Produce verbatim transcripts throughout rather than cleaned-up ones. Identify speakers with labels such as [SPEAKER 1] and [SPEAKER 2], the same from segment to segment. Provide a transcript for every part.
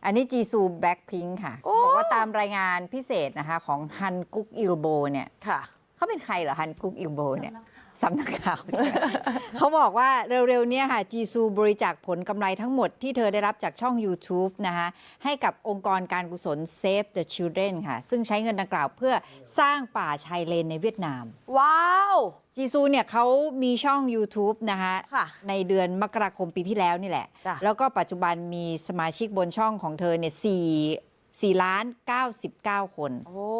[SPEAKER 1] อันนี้จีซูแบล็คพิงค์ค่ะบอกว่าตามรายงานพิเศษนะคะของฮันกุกอิลโบเนี่ย
[SPEAKER 2] ค่ะ
[SPEAKER 1] เขาเป็นใครเหรอฮันกุกอิลโบเนี่ยสำนักข่าวใช่ไหม เขาบอกว่าเร็วๆนี้ค่ะจีซูบริจาคผลกำไรทั้งหมดที่เธอได้รับจากช่อง YouTube นะคะให้กับองค์กรการกุศล Save the Children ค่ะซึ่งใช้เงินดังกล่าวเพื่อสร้างป่าชายเลนในเวียดนาม
[SPEAKER 2] ว้าว
[SPEAKER 1] จีซูเนี่ยเขามีช่อง YouTube นะคะ
[SPEAKER 2] ค่ะ
[SPEAKER 1] ในเดือนมกราคมปีที่แล้วนี่แหละ
[SPEAKER 2] จ้ะ
[SPEAKER 1] แล้วก็ปัจจุบันมีสมาชิกบนช่องของเธอเนี่ยสี่สี่ล้านเก้าสิบเก้าคน
[SPEAKER 2] โอ้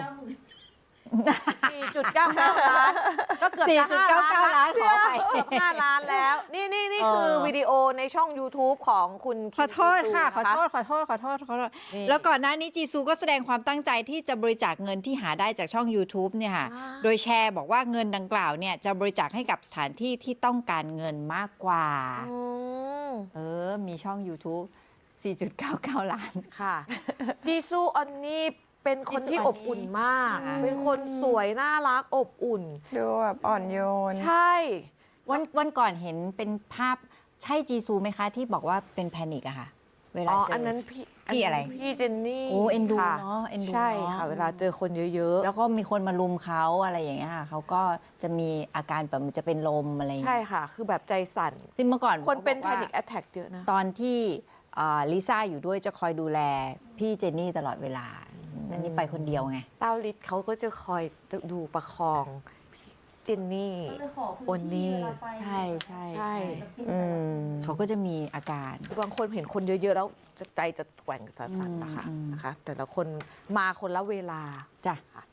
[SPEAKER 2] สี่จุดเก้าเก้าล้านก็เกือบ
[SPEAKER 1] สี่
[SPEAKER 2] จะ
[SPEAKER 1] จุด
[SPEAKER 2] ห้า
[SPEAKER 1] เก้าเก้า
[SPEAKER 2] ล้าน
[SPEAKER 1] ล้านขอไป
[SPEAKER 2] เกือบห้าล้านแล้ว นี่นี่นี่
[SPEAKER 1] เออ
[SPEAKER 2] คือวิดีโอในช่อง YouTube ของคุณ
[SPEAKER 1] ขอโทษค่ะ ขอ
[SPEAKER 2] จีซูน
[SPEAKER 1] โทษ ขอโทษ ขอโทษ ขอโทษ
[SPEAKER 2] นี่
[SPEAKER 1] แล้วก่อนหน้านี้จีซูก็แสดงความตั้งใจที่จะบริจาคเงินที่หาได้จากช่อง YouTube เนี่ยค่ะ
[SPEAKER 2] ว้าว
[SPEAKER 1] โดยแชร์บอกว่าเงินดังกล่าวเนี่ยจะบริจาคให้กับสถานที่ที่ต้องการเงินมากกว่า
[SPEAKER 2] อืม
[SPEAKER 1] เออ มีช่อง YouTube สี่จุดเก้าเก้า ล้าน
[SPEAKER 2] ค่ะ จีซูออนนี่เป็นคนที่อบอุ่นมาก
[SPEAKER 1] อ่า
[SPEAKER 2] เป็นคนสวยน่ารักอบอุ่น
[SPEAKER 3] ดูแบบอ่อนโยน
[SPEAKER 2] ใช่
[SPEAKER 1] วันวันก่อนเห็นเป็นภาพใช่จีซูไหมคะ ที่บอกว่าเป็นแพนิกอะค่ะ เวลา
[SPEAKER 2] อ๋อ
[SPEAKER 1] เจอ
[SPEAKER 2] อั
[SPEAKER 1] อั
[SPEAKER 2] นนั้นพี่
[SPEAKER 1] พี่อะไร
[SPEAKER 2] พี่เจนนี่
[SPEAKER 1] โอ้เอ็นดู
[SPEAKER 2] ค่ะ
[SPEAKER 1] เนาะเอ็นดู
[SPEAKER 2] ใช่
[SPEAKER 1] เนอะ
[SPEAKER 2] ค่ะ เวลาเจอคนเยอะ
[SPEAKER 1] แล้วก็มีคนมาลุมเขาอะไรอย่างเงี้ยค่ะเขาก็จะมีอาการแบบมันจะเป็นลมอะไรอย่าง
[SPEAKER 2] ๆ ใช่
[SPEAKER 1] เงี้ย
[SPEAKER 2] ค่ะ คือแบบใจสั่น
[SPEAKER 1] ซึ่งเมื่อก่อน
[SPEAKER 2] คนเป็น
[SPEAKER 1] ขา
[SPEAKER 2] แพ
[SPEAKER 1] บอกว่า
[SPEAKER 2] นิคแอ t แทกเยอะนะ
[SPEAKER 1] ตอนที่อ่าลิซ่าอยู่ด้วยจะคอยดูแลพี่เจนนี่ตลอดเวลาอันนี้ไปคนเดียวไง
[SPEAKER 2] เต้าลิศเขาก็จะคอยดูประคองพี่เจนนี่ โอนนี่
[SPEAKER 1] ใช่ใช่
[SPEAKER 2] ใช่
[SPEAKER 3] อืม
[SPEAKER 1] เขาก็จะมีอาการ
[SPEAKER 2] บางคนเห็นคนเยอะ ๆ แล้วจะใจจะแกว่งจะสั่นนะคะ
[SPEAKER 1] อืม
[SPEAKER 2] นะคะ แต่ละคนมาคนละเวลา
[SPEAKER 1] จ้ะ
[SPEAKER 2] ค่ะ